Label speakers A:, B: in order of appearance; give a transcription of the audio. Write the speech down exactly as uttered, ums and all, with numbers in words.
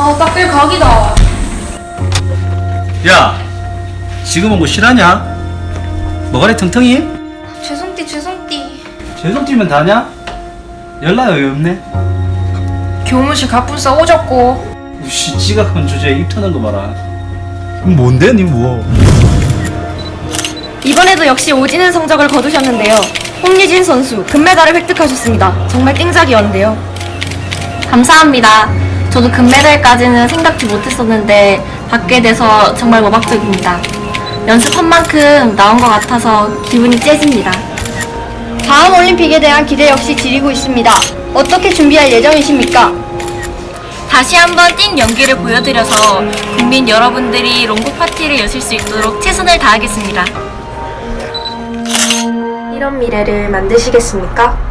A: 아, 딱들 각이다.
B: 야, 지금은 뭐 실하냐? 뭐가래 텅텅이?
A: 죄송띠, 죄송띠.
B: 죄송팀은 다냐? 연락이 왜 없네?
A: 교무실 갑분싸 오졌고.
B: 우씨, 지각한 주제에 입 터는 거 봐라. 뭔데, 니 뭐?
C: 이번에도 역시 오지는 성적을 거두셨는데요. 홍예진 선수 금메달을 획득하셨습니다. 정말 땡작이었는데요. 감사합니다. 저도 금메달까지는 생각지 못했었는데 받게 돼서 정말 모박적입니다. 연습한 만큼 나온 것 같아서 기분이 째집니다. 다음 올림픽에 대한 기대 역시 지리고 있습니다. 어떻게 준비할 예정이십니까? 다시 한번 뛴 연기를 보여드려서 국민 여러분들이 롱복 파티를 여실 수 있도록 최선을 다하겠습니다. 이런 미래를 만드시겠습니까?